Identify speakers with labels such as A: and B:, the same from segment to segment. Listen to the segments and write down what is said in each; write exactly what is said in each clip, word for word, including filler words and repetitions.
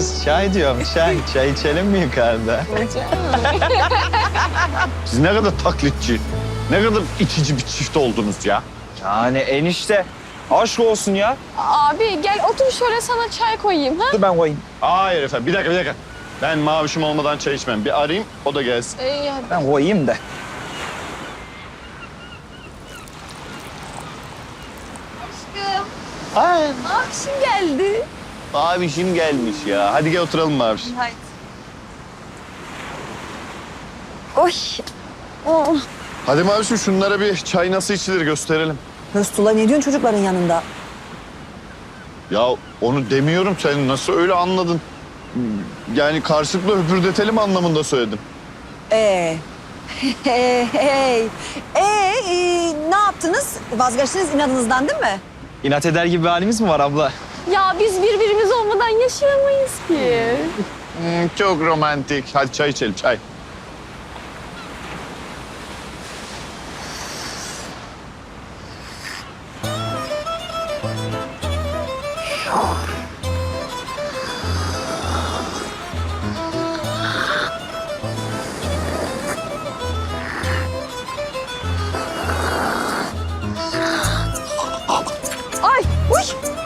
A: Kız çay diyorum çay. Çay içelim mi yukarıda?
B: Siz ne kadar taklitçi, ne kadar itici bir çift oldunuz ya.
A: Yani enişte aşk olsun ya.
C: Abi gel otur şöyle sana çay koyayım ha?
A: Dur ben koyayım.
B: Hayır efendim, bir dakika bir dakika. Ben mavişim olmadan çay içmem. Bir arayayım, o da gelsin.
C: İyi hadi.
A: Ben koyayım da.
C: Aşkım.
B: Ay,
C: Akşam geldi.
B: mavişim gelmiş ya. Hadi gel oturalım maviş.
C: Haydi.
D: Oy.
C: Oh.
B: Hadi mavişim şunlara bir çay nasıl içilir gösterelim.
D: Mesut'la ne diyorsun çocukların yanında?
B: Ya onu demiyorum, sen nasıl öyle anladın? Yani karşılıklı höpürdetelim anlamında söyledim.
D: Ee, hey, hey. Ee, e, ne yaptınız? Vazgeçtiniz inadınızdan değil mi?
A: İnat eder gibi bir halimiz mi var abla?
C: Ya biz birbirimiz olmadan yaşayamayız ki.
B: Hmm, çok romantik. Hadi çay içelim, çay.
D: Ay, uy.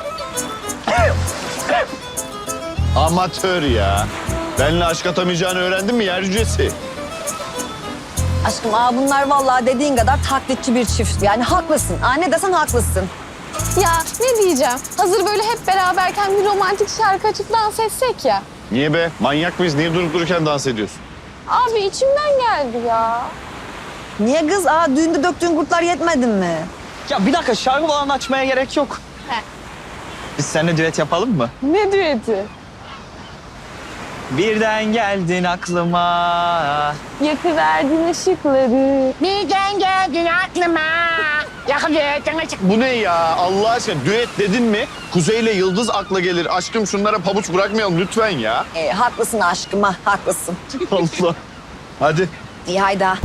B: Amatör ya. Benimle aşk atamayacağını öğrendin mi yer cücesi?
D: Aşkım aa bunlar vallahi dediğin kadar taklitçi bir çift. Yani haklısın. Aa, ne desen haklısın.
C: Ya ne diyeceğim? Hazır böyle hep beraberken bir romantik şarkı açıp dans etsek ya.
B: Niye be? Manyak mıyız? Niye durup dururken dans ediyorsun?
C: Abi içimden geldi ya.
D: Niye kız? Aa düğünde döktüğün kurtlar yetmedin mi?
A: Ya bir dakika şarkı falan açmaya gerek yok.
C: He.
A: Biz seninle düet yapalım mı?
C: Ne düeti?
A: Birden geldin aklıma.
C: Yakıverdin ışıkları.
E: Birden geldin aklıma. Yakıverdin ışık.
B: Bu ne ya? Allah aşkına düet dedin mi? Kuzey ile Yıldız akla gelir. Aşkım şunlara pabuç bırakmayalım lütfen ya.
D: Ee, haklısın aşkım ha, haklısın.
B: Allah. Hadi.
D: İyi hayda.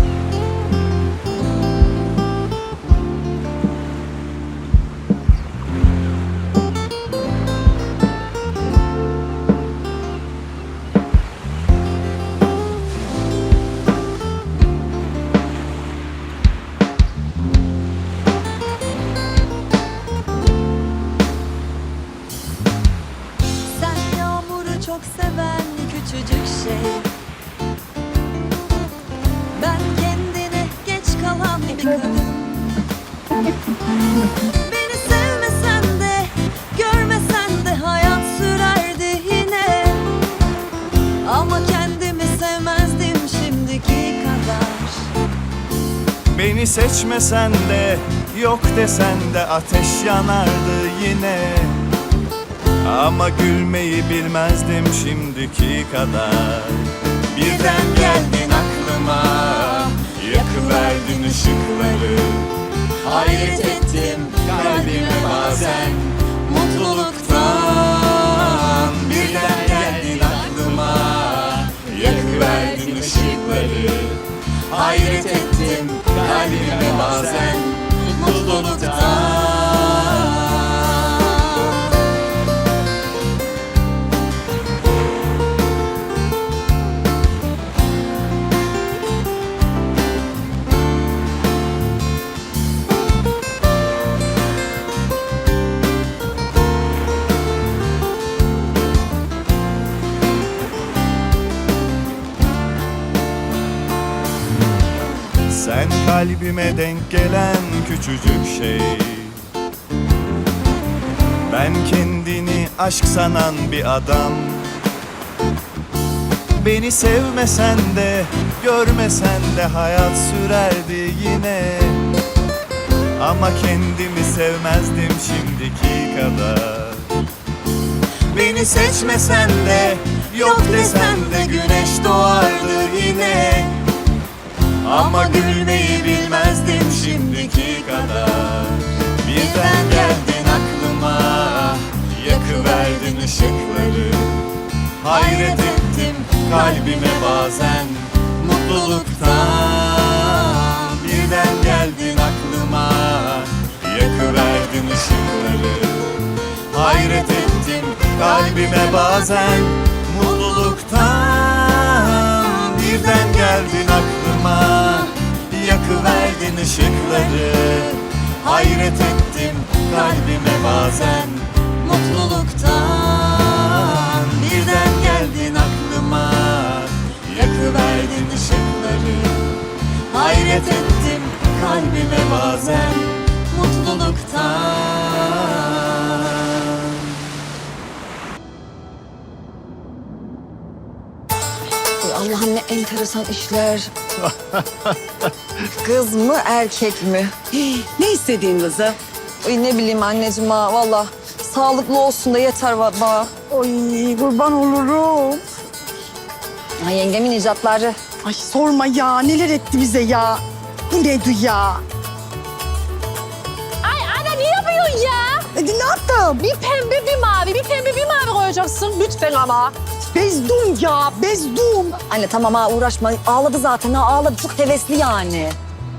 F: Sen yağmuru çok seven küçücük şey. Ben kendine geç kalan bir kadın. Beni sevmesen de, görmesen de hayat sürerdi yine. Ama kendimi sevmezdim şimdiki kadar.
G: Beni seçmesen de, yok desen de ateş yanardı yine. Ama gülmeyi bilmezdim şimdiki kadar. Birden geldin aklıma, yakıverdin ışıkları. Hayret ettim kalbime bazen mutluluktan. Birden geldin aklıma, yakıverdin ışıkları. Hayret ettim kalbime bazen mutluluktan. Sen kalbime denk gelen küçücük şey. Ben kendini aşk sanan bir adam. Beni sevmesen de, görmesen de hayat sürerdi yine. Ama kendimi sevmezdim şimdiki kadar. Beni seçmesen de, yok desen de güneş doğardı yine. Ama gülmeyi bilmezdim şimdiki kadar. Birden geldin aklıma, yakıverdin ışıkları. Hayret ettim kalbime bazen mutluluktan. Birden geldin aklıma, yakıverdin ışıkları. Hayret ettim kalbime bazen Mutluluktan birden geldin aklıma, yakıverdin ışıkları. Hayret ettim kalbime bazen. Mutluluktan birden geldin aklıma, yakıverdin ışıkları. Hayret ettim kalbime bazen. Mutluluktan.
D: Ay Allah'ım ne enteresan işler. Kız mı erkek mi?
H: Ne istediğin kızı?
D: Ay ne bileyim anneciğim ha valla. Sağlıklı olsun da yeter va- bana.
H: Ay kurban olurum.
D: Ha, yengemin icatları.
H: Ay sorma ya neler etti bize ya. Bu neydi ya?
C: Ay ana ne yapıyorsun ya?
H: E, ne yaptım?
C: Bir pembe bir mavi, bir pembe bir mavi koyacaksın lütfen ama.
H: Bezdum ya bezdum.
D: Anne tamam ha uğraşma. Ağladı zaten ha ağladı. Çok hevesli yani.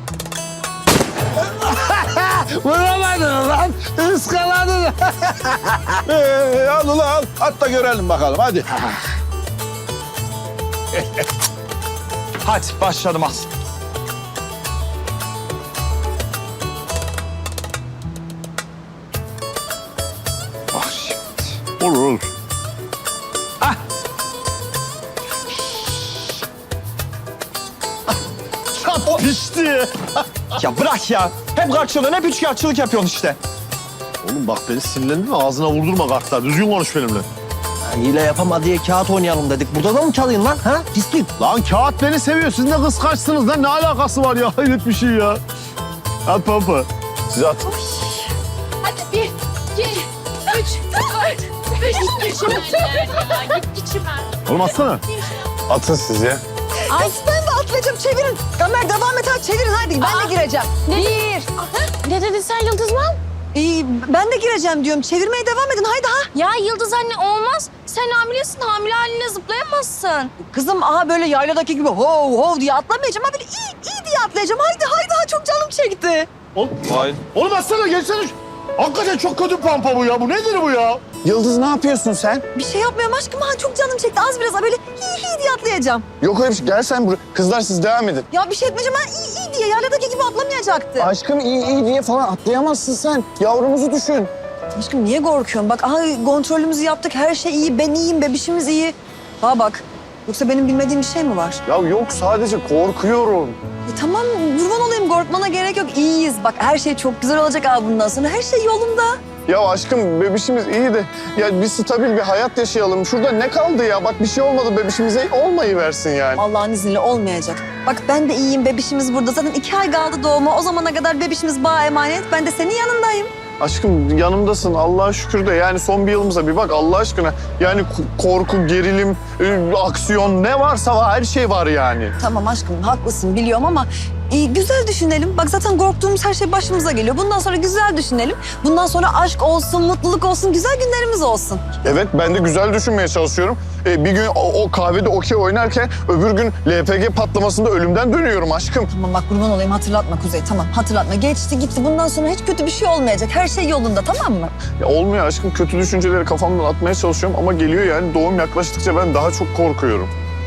I: Vuramadın lan. Iskaladın. ee, al ulan al. At da görelim bakalım hadi.
A: Hadi başladım az.
I: Bak şimdi. Olur olur.
A: Çap pişti. Ya bırak ya. Hep kaçıyorsun, hep üçkağıtçılık yapıyorsun işte.
B: Oğlum bak beni sinirlendirme, ağzına vurdurma kartlar. Düzgün konuş benimle.
J: Hile yapama diye kağıt oynayalım dedik. Burada da mı çalayım lan? Ha? Pislik.
B: Lan kağıt beni seviyor. Siz ne kıskançsınız lan. Ne alakası var ya? Hayret bir şey ya. At pampa. Siz at.
C: Hadi bir, iki, üç, dört, beş, git içime. Git içime.
B: Oğlum atsana. Atın siz ya.
D: Ay ben de atlayacağım çevirin. Kamer devam et hadi çevirin hadi. Ben de gireceğim. Bir.
C: Ne dedin sen Yıldızman?
D: İyi, ben de gireceğim diyorum. Çevirmeye devam edin haydi ha.
C: Ya Yıldız anne olmaz. Sen hamilesin, hamile haline zıplayamazsın.
D: Kızım aha böyle yayladaki gibi hov hov diye atlamayacağım. Ha böyle iyi iyi diye atlayacağım. Haydi haydi ha çok canım çekti.
B: Oğlum, oğlum atsana geçsene. Hakikaten çok kötü pampa bu ya. Bu nedir bu ya?
I: Yıldız ne yapıyorsun sen?
D: Bir şey yapmıyorum aşkım ha çok canım çekti. Az biraz ha böyle iyi iyi diye atlayacağım.
B: Yok öyle bir şey. Gel sen buraya. Kızlar siz devam edin.
D: Ya bir şey etmeyeceğim ha iyi iyi diye yayladaki gibi atlamayacaktı.
I: Aşkım iyi iyi diye falan atlayamazsın sen. Yavrumuzu düşün.
D: Aşkım niye korkuyorsun? Bak aha kontrolümüzü yaptık. Her şey iyi. Ben iyiyim. Bebişimiz iyi. Ha bak. Yoksa benim bilmediğim bir şey mi var?
B: Ya yok sadece korkuyorum.
D: E tamam kurban olayım. Korkmana gerek yok. İyiyiz. Bak her şey çok güzel olacak abi bundan sonra. Her şey yolunda.
B: Ya aşkım bebişimiz iyi de ya bir stabil bir hayat yaşayalım. Şurada ne kaldı ya? Bak bir şey olmadı bebişimize olmayıversin yani.
D: Allah'ın izniyle olmayacak. Bak ben de iyiyim. Bebişimiz burada. Zaten iki ay kaldı doğuma. O zamana kadar bebişimiz bana emanet. Ben de senin yanındayım.
B: Aşkım yanımdasın Allah'a şükür de yani son bir yılımıza bir bak Allah aşkına. Yani k- korku, gerilim, e, aksiyon ne varsa var her şey var yani.
D: Tamam aşkım haklısın biliyorum ama e, güzel düşünelim. Bak zaten korktuğumuz her şey başımıza geliyor. Bundan sonra güzel düşünelim. Bundan sonra aşk olsun, mutluluk olsun, güzel günlerimiz olsun.
B: Evet ben de güzel düşünmeye çalışıyorum. E, bir gün o, o kahvede okey oynarken öbür gün L P G patlamasında ölümden dönüyorum aşkım.
D: Tamam bak kurban olayım hatırlatma Kuzey tamam hatırlatma. Geçti gitti bundan sonra hiç kötü bir şey olmayacak. Her şey yolunda tamam mı?
B: Ya olmuyor aşkım kötü düşünceleri kafamdan atmaya çalışıyorum ama geliyor yani doğum yaklaştıkça ben daha çok korkuyorum.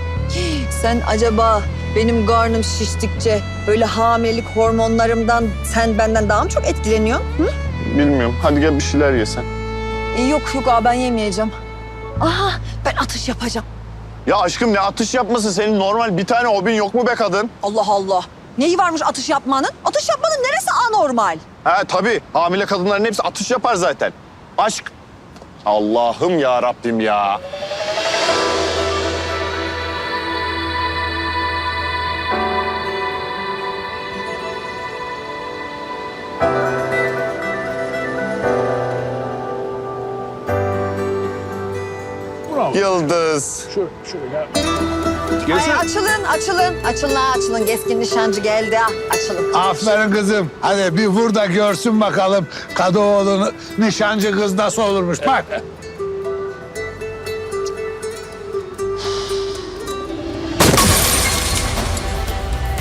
D: Sen acaba benim karnım şiştikçe böyle hamilelik hormonlarımdan sen benden daha mı çok etkileniyorsun? Hı?
B: Bilmiyorum hadi gel bir şeyler yesen.
D: E, yok yok abi ben yemeyeceğim. Aha ben atış yapacağım.
B: Ya aşkım ne atış yapması senin normal bir tane hobin yok mu be kadın?
D: Allah Allah. Neyi varmış atış yapmanın? Atış yapmanın neresi anormal?
B: Ha tabii hamile kadınların hepsi atış yapar zaten. Aşk. Allah'ım ya Rabbim ya. Yıldız.
D: Ay açılın açılın. Açılın ha, açılın. Keskin nişancı geldi ha. Açılın.
I: Aferin kızım. Hadi bir vur da görsün bakalım Kadıoğlu'nun nişancı kız nasıl olurmuş. Bak.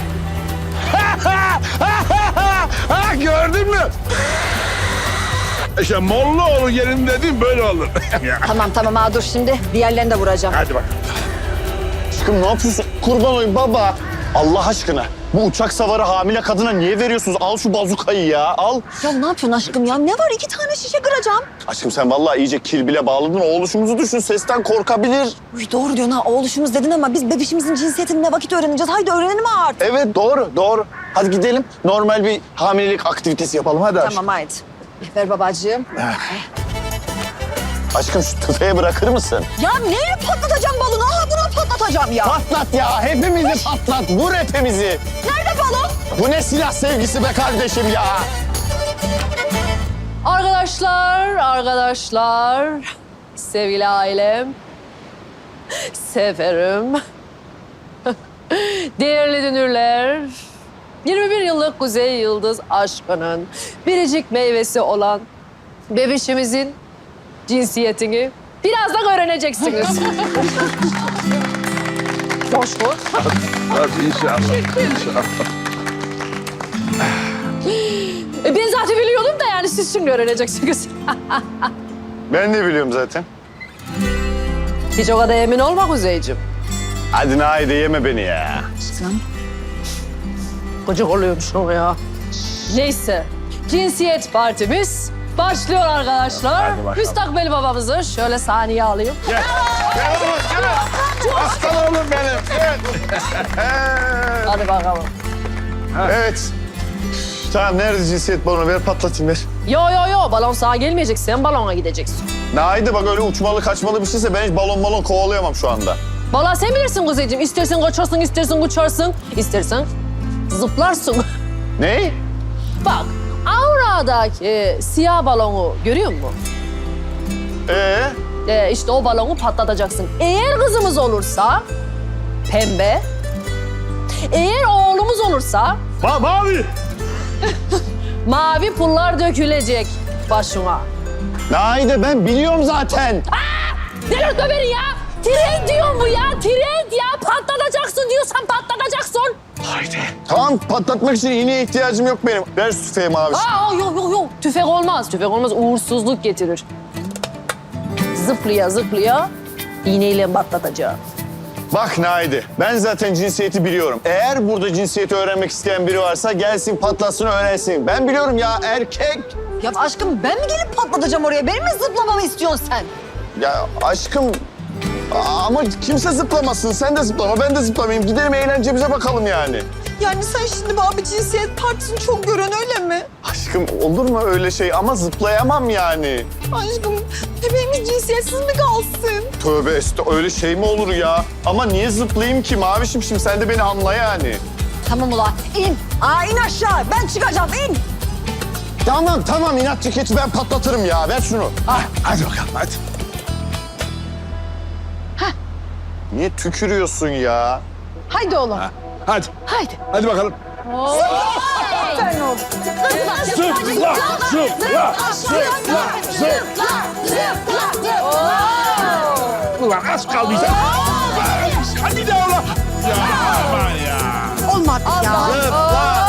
I: ha, gördün mü? İşte Mollaoğlu gelin dedim böyle olur.
D: Tamam tamam ha dur şimdi diğerlerini de vuracağım.
I: Hadi bak.
B: Aşkım ne yapıyorsun? Kurban olayım baba. Allah aşkına. Bu uçak savarı hamile kadına niye veriyorsunuz? Al şu bazukayı ya, al.
D: Ya ne yapıyorsun aşkım ya? Ne var iki tane şişe kıracağım.
B: Aşkım sen vallahi iyice kilbile bağladın. O oluşumuzu düşün, sesten korkabilir.
D: Uy, doğru diyorsun ha oğluşumuz dedin ama biz bebişimizin cinsiyetini ne vakit öğreneceğiz? Haydi öğrenelim artık.
B: Evet doğru, doğru. Hadi gidelim. Normal bir hamilelik aktivitesi yapalım. Hadi aşkım.
D: Tamam haydi. Ver babacığım.
B: Aşkım şu tüfeği bırakır mısın?
D: Ya neyle patlatacağım balonu? Aha bunu patlatacağım ya.
B: Patlat ya, hepimizi patlat. Vur hepimizi.
D: Nerede balon?
B: Bu ne silah sevgisi be kardeşim ya?
C: Arkadaşlar, arkadaşlar, sevgili ailem, severim. Değerli dünürler, yirmi bir yıllık Kuzey Yıldız aşkının biricik meyvesi olan bebişimizin cinsiyetini birazdan öğreneceksiniz. Boş boş.
I: Hadi inşallah. İnşallah.
C: E, Ben zaten biliyordum da yani siz şimdi öğreneceksiniz.
B: Ben de biliyorum zaten.
C: Hiç o kadar emin olma Kuzeyciğim.
B: Hadi Naide yeme beni ya.
C: Gıcık oluyormuş o ya. Neyse, cinsiyet partimiz başlıyor arkadaşlar.
I: Hadi bakalım.
C: Müstakbel babamızı şöyle sahneye alayım.
I: Gel. Gel oğlum gel. Aslan oğlum benim. Gel.
C: Hadi bakalım.
B: Evet. Tamam nerede cinsiyet balonu? Ver patlatayım ver.
C: Yo yo yo, balon sağa gelmeyecek, sen balona gideceksin.
B: Naide bak öyle uçmalı kaçmalı bir şeyse ben hiç balon balon kovalayamam şu anda.
C: Vallahi sen bilirsin Kuzeyciğim. İstersen kaçarsın, istersen uçarsın, istersen zıplarsın.
B: Ne?
C: Bak, Aura'daki siyah balonu görüyor musun?
B: Ee?
C: Ee, işte o balonu patlatacaksın. Eğer kızımız olursa pembe, eğer oğlumuz olursa
I: Ma mavi.
C: mavi pullar dökülecek başına.
B: Naide ben biliyorum zaten.
C: Delirtme beni ya! Trend diyor bu ya, trend ya! Patlatacaksın diyorsan patlatacaksın.
B: Tamam patlatmak için iğneye ihtiyacım yok benim. Ver şu tüfeği mavi.
C: Aa yok yok yok, tüfek olmaz. Tüfek olmaz, uğursuzluk getirir. Zıplaya zıplaya iğneyle patlatacağım.
B: Bak Naide ben zaten cinsiyeti biliyorum. Eğer burada cinsiyeti öğrenmek isteyen biri varsa gelsin patlatsın öğrensin. Ben biliyorum ya erkek.
D: Ya aşkım ben mi gelip patlatacağım oraya? Benim mi zıplamamı istiyorsun sen?
B: Ya aşkım ama kimse zıplamasın. Sen de zıplama ben de zıplamayayım. Gidelim eğlencemize bakalım yani.
H: Yani sen şimdi abi cinsiyet partisini çok gören öyle mi?
B: Aşkım olur mu öyle şey ama zıplayamam yani.
H: Aşkım bebeğimiz cinsiyetsiz mi kalsın?
B: Tövbe estağfurullah öyle şey mi olur ya? Ama niye zıplayayım ki Mavişim şimdi sen de beni anla yani.
D: Tamam ulan in. Aa in aşağı ben çıkacağım in.
B: Tamam tamam inatçı keçi ben patlatırım ya ver şunu.
I: Hadi bakalım hadi.
B: Niye tükürüyorsun ya?
H: Haydi oğlum.
I: Hadi.
H: Haydi.
I: Hadi bakalım.
H: Aferin oğlum.
I: Zıpla, zıpla, zıpla, zıpla. Ulan az kaldıysa. Hadi de ulan. Ya aman ya.
H: Olmadı ya.
B: Zıpla,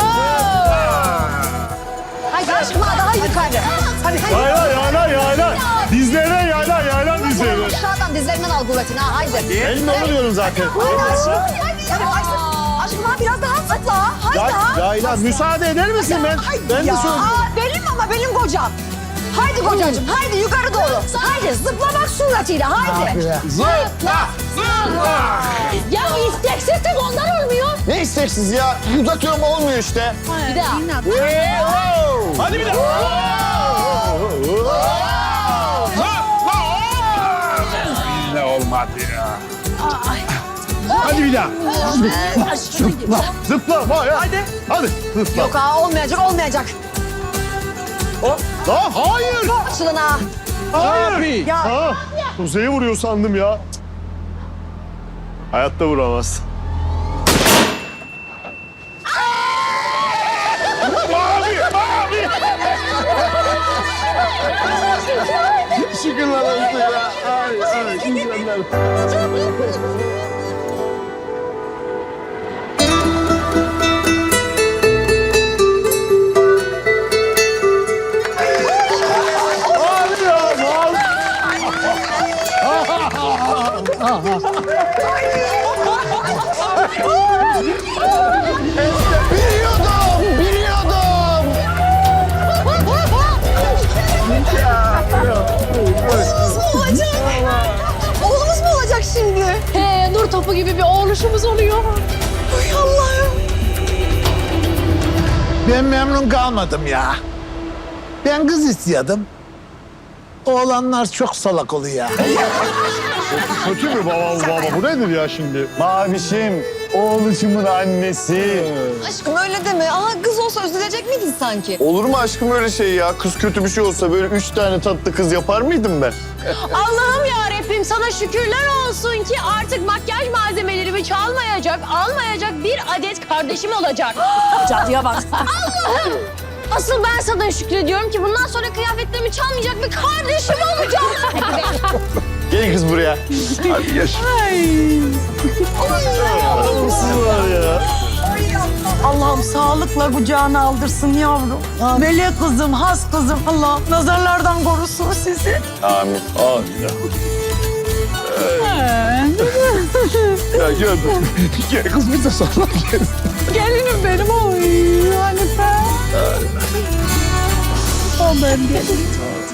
D: Haydi aşkım hadi haydi yukarı. Hadi haydi.
I: Yayla, yayla, yayla. Dizlerine yayla, yayla dizlerine.
D: Aşağıdan dizlerinden al kuvvetini ha haydi.
B: Elimle onu diyorum zaten.
D: Haydi aşkım. Haydi aşkım. Aşkım ha biraz daha zıpla. Haydi ha.
B: Yayla müsaade eder misin ben? Ben de
D: Ya
B: söyleyeyim.
D: aa, benim ama benim kocam. Haydi kocacığım haydi yukarı doğru. Haydi zıplamak suretiyle haydi.
I: Zıpla, zıpla.
C: Ya isteksizlik ondan olmuyor.
B: Ne isteksiz ya? Uzatıyorum olmuyor işte.
C: Bir daha.
I: Hadi bir daha. Zıpla. Yine olmadı ya. Hadi bir daha. Zıpla. Zıpla. Hadi. Hadi. Zıpla.
D: Yok ha olmayacak olmayacak.
B: Lan hayır.
D: Açılın ha.
B: Hayır.
D: Ya
B: Ha, Kuzey'i vuruyor sandım ya. Hayatta vuramaz.
I: Mavi, mavi.
B: Şükürler olsun ya. Ay, ay, insanlar. Biliyordum, biliyordum.
D: Oğlumuz mu olacak? Oğlumuz mu olacak şimdi?
C: He, nur topu gibi bir oğluşumuz oluyor.
D: Ay Allah'ım.
I: Ben memnun kalmadım ya. Ben kız istiyordum. Oğlanlar çok salak oluyor.
B: Kötü mü baba baba? Bu nedir ya şimdi? Mavişim, oğluşumun annesi.
D: Aşkım öyle deme. Aha kız olsa üzülecek miydin sanki?
B: Olur mu aşkım öyle şey ya? Kız kötü bir şey olsa böyle üç tane tatlı kız yapar mıydım ben?
C: Allah'ım ya Rabbim sana şükürler olsun ki artık makyaj malzemelerimi çalmayacak, almayacak bir adet kardeşim olacak.
D: Cadıya bak.
C: Allah'ım! Asıl ben sana şükrediyorum ki bundan sonra kıyafetlerimi çalmayacak bir kardeşim olacak.
B: Gel kız buraya. Hadi geç.
H: Allah'ım sağlıkla kucağına aldırsın yavrum. Melek kızım, has kızım. Allah nazarlardan korusun sizi.
B: Amin. Amin. Ya gördüm. Gel kız bize salla gel.
H: Gelinim benim. Oy Hanife. O ben gelinim.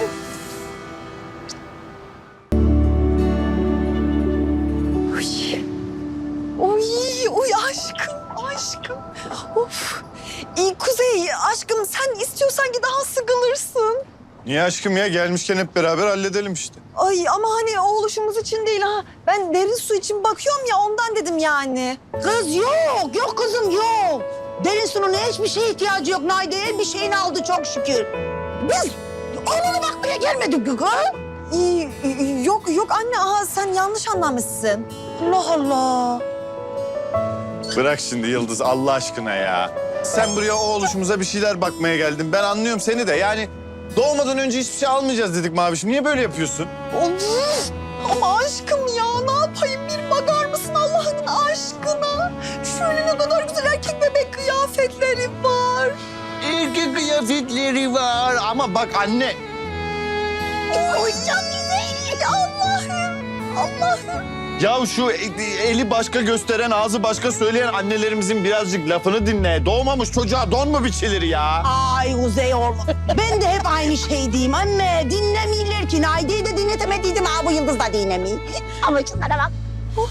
D: Oy, oy aşkım, aşkım. Of. İyi Kuzey, aşkım sen istiyorsan ki daha sıkılırsın.
B: Niye aşkım ya? Gelmişken hep beraber halledelim işte.
D: Ay ama hani o oluşumuz için değil ha. Ben derin su için bakıyorum ya ondan dedim yani.
E: Kız yok, yok kızım yok. Derin sunun hiçbir şeye ihtiyacı yok. Naide'ye bir şeyini aldı çok şükür. Biz onunu bakmaya gelmedik ki kız.
D: İyi, iyi, yok yok anne aha sen yanlış anlamışsın.
E: Allah Allah.
B: Bırak şimdi Yıldız Allah aşkına ya. Sen buraya o oluşumuza bir şeyler bakmaya geldin. Ben anlıyorum seni de yani doğmadan önce hiçbir şey almayacağız dedik Mavişim. Niye böyle yapıyorsun?
D: Of. Ama aşkım ya ne yapayım bir bakar mısın Allah'ın aşkına? Şöyle ne kadar güzel erkek bebek kıyafetleri var.
B: Erkek kıyafetleri var ama bak anne.
D: Oy ya güzel Allah'ım. Allah'ım.
B: Ya şu eli başka gösteren, ağzı başka söyleyen annelerimizin birazcık lafını dinle. Doğmamış çocuğa don mu biçilir ya?
E: Ay Kuzey oğlum. Ben de hep aynı şey diyeyim anne. Dinlemiyorlar ki. Naide'yi de dinletemediydim. Ha bu Yıldız da dinlemiyor. Ama şunlara bak.
D: Oy.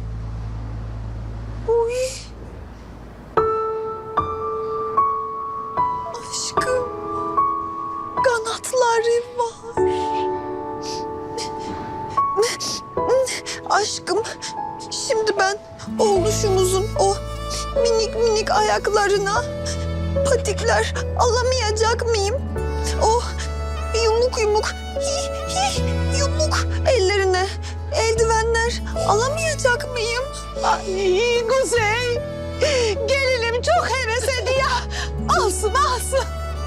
D: Oy. Aşkım. Kanatları var. Aşkım. Şimdi ben oğluşumuzun o minik minik ayaklarına patikler alamayacak mıyım? O yumuk yumuk hi, hi, yumuk ellerine eldivenler alamayacak mıyım?
E: Ay Kuzey. Gelinim çok heves ediyor. Alsın alsın.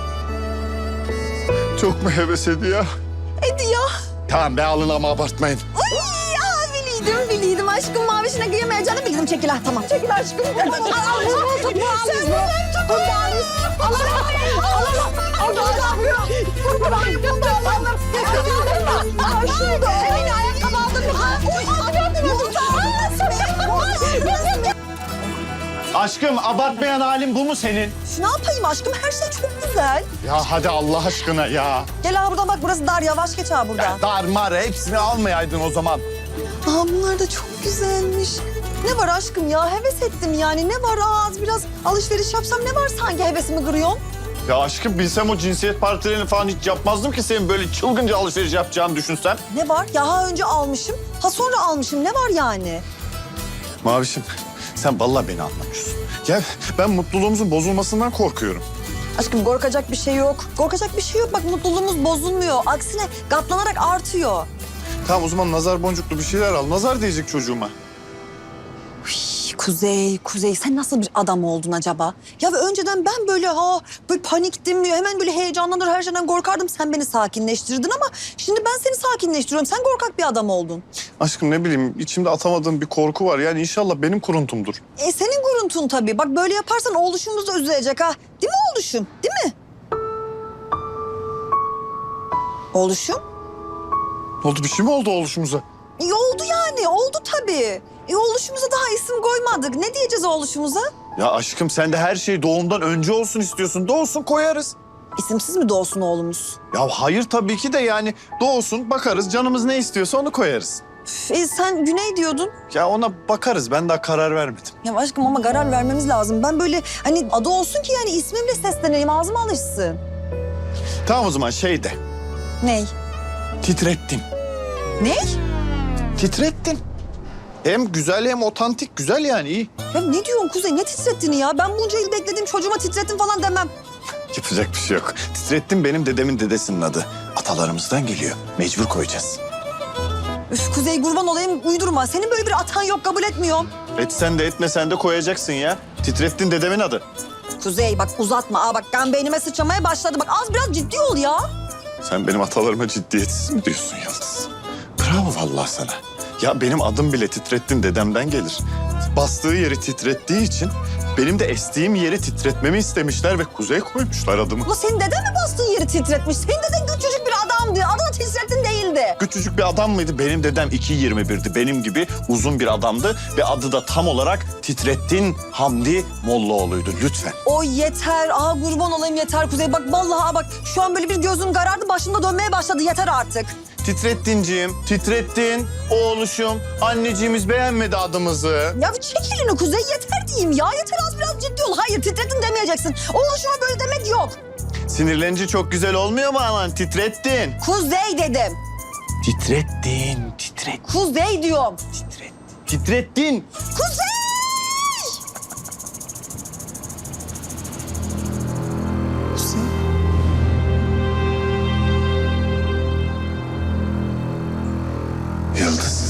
B: Çok mu heves ediyor?
D: Ediyor.
B: Tamam be alın ama abartmayın.
D: Ay ya biliydim biliydim aşkım mavişine giyemeyeceğini bildim. Çekil ha tamam. Çekil aşkım. Sen bunu tut bu ağzını. Sen bunu tut. Alalım. Alalım. Orada alamıyor. Bunu da alalım. Aa şunu da. Elini ayakkabı aldın mı? Oy gördün
B: Aşkım abartmayan halin bu mu senin?
D: Ne yapayım aşkım her şey çok güzel.
B: Ya hadi Allah aşkına ya.
D: Gel ha buradan bak burası dar yavaş geç ha burada.
B: Dar mar hepsini almayaydın o zaman.
D: Aa bunlar da çok güzelmiş. Ne var aşkım ya heves ettim yani ne var az biraz alışveriş yapsam ne var sanki hevesimi kırıyorsun?
B: Ya aşkım bilsem o cinsiyet partilerini falan hiç yapmazdım ki senin böyle çılgınca alışveriş yapacağını düşünsen.
D: Ne var ya ha önce almışım ha sonra almışım ne var yani?
B: Mavişim sen vallahi beni anlamıyorsun. Ya ben mutluluğumuzun bozulmasından korkuyorum.
D: Aşkım korkacak bir şey yok. Korkacak bir şey yok bak mutluluğumuz bozulmuyor. Aksine katlanarak artıyor.
B: Tamam o zaman nazar boncuklu bir şeyler al. Nazar diyecek çocuğuma.
D: Üy, Kuzey, Kuzey sen nasıl bir adam oldun acaba? Ya ve önceden ben böyle ha böyle paniktim, hemen böyle heyecanlanır her şeyden korkardım. Sen beni sakinleştirdin ama şimdi ben seni sakinleştiriyorum. Sen korkak bir adam oldun.
B: Aşkım ne bileyim içimde atamadığım bir korku var. Yani inşallah benim kuruntumdur.
D: E senin guruntun tabii. Bak böyle yaparsan oğluşumuz da üzülecek ha. Değil mi oğluşum? Değil mi? Oğluşum?
B: Ne oldu bir şey mi oldu oluşumuza?
D: E oldu yani, oldu tabii. E oğluşumuza daha isim koymadık. Ne diyeceğiz oğluşumuza?
B: Ya aşkım sen de her şey doğumdan önce olsun istiyorsun. Doğsun koyarız.
D: İsimsiz mi doğsun oğlumuz?
B: Ya hayır tabii ki de yani doğsun bakarız canımız ne istiyorsa onu koyarız.
D: Üf, E sen Güney diyordun.
B: Ya ona bakarız ben daha karar vermedim.
D: Ya aşkım ama karar vermemiz lazım. Ben böyle hani adı olsun ki yani ismimle sesleneyim, ağzıma alışsın.
B: Tamam o zaman şey de
D: Ney?
B: titrettin.
D: Ney?
B: Titrettin. Hem güzel hem otantik güzel yani iyi.
D: Ya ne diyorsun Kuzey? Ne titrettiğini ya? Ben bunca yıl bekledim çocuğuma titrettin falan demem.
B: Yapacak bir şey yok. Titrettin benim dedemin dedesinin adı. Atalarımızdan geliyor. Mecbur koyacağız.
D: Üf Kuzey kurban olayım uydurma. Senin böyle bir atan yok kabul etmiyorum.
B: Etsen de etmesen de koyacaksın ya. Titrettin dedemin adı.
D: Kuzey bak uzatma. Aa bak kan beynime sıçramaya başladı. Bak az biraz ciddi ol ya.
B: Sen benim atalarıma ciddiyetsiz mi diyorsun Yıldız? Bravo vallahi sana. Ya benim adım bile Titrettin dedemden gelir. Bastığı yeri titrettiği için benim de estiğim yeri titretmemi istemişler ve Kuzey koymuşlar adımı.
D: Ulan senin deden mi bastığın yeri titretmiş? Senin deden küçücük bir adamdı. Adını titrettin değildi.
B: Küçücük bir adam mıydı? Benim dedem iki yirmi birdi. Benim gibi uzun bir adamdı ve adı da tam olarak Titrettin Hamdi Mollaoğlu'ydu. Lütfen.
D: O yeter. Aa kurban olayım yeter Kuzey. Bak vallahi bak şu an böyle bir gözüm karardı. Başımda dönmeye başladı. Yeter artık.
B: Titrettinciğim, Titrettin, oğluşum, anneciğimiz beğenmedi adımızı.
D: Ya çek elini Kuzey yeter diyeyim ya. Yeter az biraz ciddi ol. Hayır titrettin demeyeceksin. Oğluşuma böyle demek yok.
B: Sinirlenince çok güzel olmuyor mu aman? Titrettin.
D: Kuzey dedim.
B: Titrettin, titret,
D: Kuzey diyorum.
B: titret. Titrettin.
D: Kuzey!
B: Yıldız.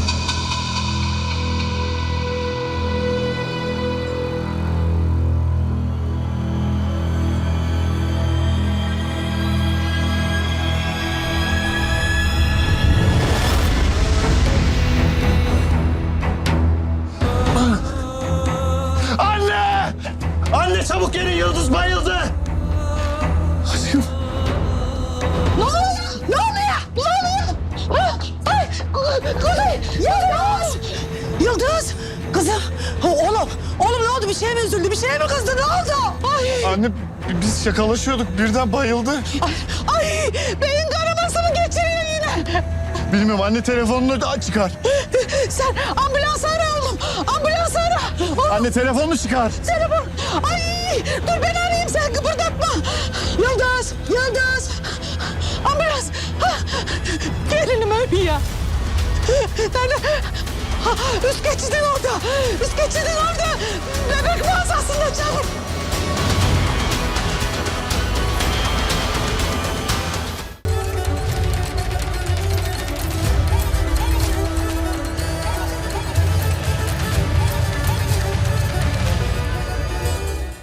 B: Anne! Anne çabuk gelin Yıldız bayıldı. Aşkım.
E: Ne oluyor? Ne oluyor? Ne oluyor? Ah, ay, Ku- Kuzey! Yıldız! Yıldız! Kızım! O- Oğlum! Oğlum ne oldu? Bir şeye mi üzüldü? Bir şeye mi kızdı? Ne oldu? Ay!
B: Anne biz şakalaşıyorduk birden bayıldı.
E: Ay! Ay! Beyin kanaması mı geçiriyor yine?
B: Bilmiyorum anne telefonunu da çıkar.
E: Sen ambulans ara oğlum! Ambulans ara! Oğlum,
B: Anne telefonunu çıkar.
E: telefon! Ay! Dur ben arayayım sen kıpırdatma! Yıldız! Yıldız! Ambulans! Ha! Gelinim ölüyor ya! Nerede? Ha, üst geçidin orada! Üst geçidin orada! Bebek!